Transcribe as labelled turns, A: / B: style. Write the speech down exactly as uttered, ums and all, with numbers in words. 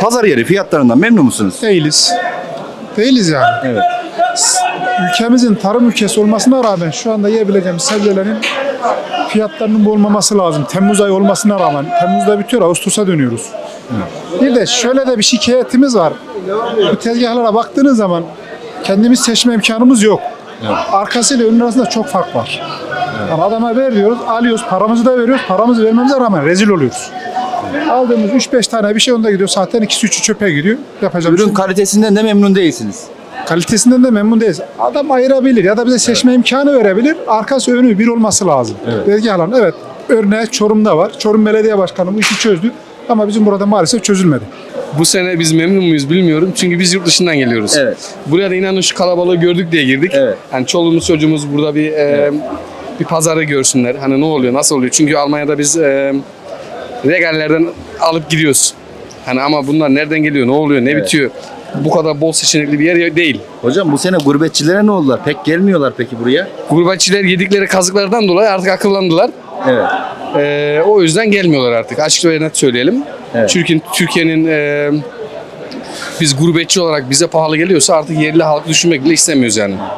A: Pazar yeri fiyatlarından memnun musunuz?
B: Değiliz. Değiliz yani.
A: Evet.
B: Ülkemizin tarım ülkesi olmasına rağmen şu anda yiyebileceğimiz sebzelerin fiyatlarının bu olmaması lazım. Temmuz ayı olmasına rağmen. Temmuz'da bitiyor, Ağustos'a dönüyoruz. Bir de şöyle de bir şikayetimiz var. Bu tezgahlara baktığınız zaman kendimiz seçme imkanımız yok. Arkasıyla önün arasında çok fark var. Yani adama ver diyoruz, alıyoruz, paramızı da veriyoruz. Paramızı vermemize rağmen rezil oluyoruz. Aldığımız üç beş tane bir şey onda gidiyor. Zaten ikisi üçü çöpe gidiyor. Yapacak bir şey
A: Ürün
B: yok.
A: kalitesinden de memnun değilsiniz.
B: Kalitesinden de memnun değiliz. Adam ayırabilir ya da bize seçme imkanı verebilir. Arkası önü bir olması lazım.
A: Evet.
B: Tezgahların evet. Örneği Çorum'da var. Çorum Belediye Başkanı bu işi çözdü. Ama bizim burada maalesef çözülmedi.
C: Bu sene biz memnun muyuz bilmiyorum. Çünkü biz yurt dışından geliyoruz.
A: Evet.
C: Buraya da inanın şu kalabalığı gördük diye girdik.
A: Evet.
C: Yani çoluğumuz çocuğumuz burada bir e, bir pazarı görsünler. Hani ne oluyor, nasıl oluyor? Çünkü Almanya'da biz e, regallerden alıp gidiyoruz. Hani ama bunlar nereden geliyor, ne oluyor, ne
A: Evet.
C: bitiyor? Bu kadar bol seçenekli bir yer değil.
A: Hocam bu sene gurbetçilere ne oldular? Pek gelmiyorlar peki buraya.
C: Gurbetçiler yedikleri kazıklardan dolayı artık akıllandılar.
A: Evet.
C: E, o yüzden gelmiyorlar artık. Açık ve net söyleyelim.
A: Evet.
C: Çünkü Türkiye'nin e, biz gurbetçi olarak bize pahalı geliyorsa artık yerli halk düşünmek bile istemiyoruz yani.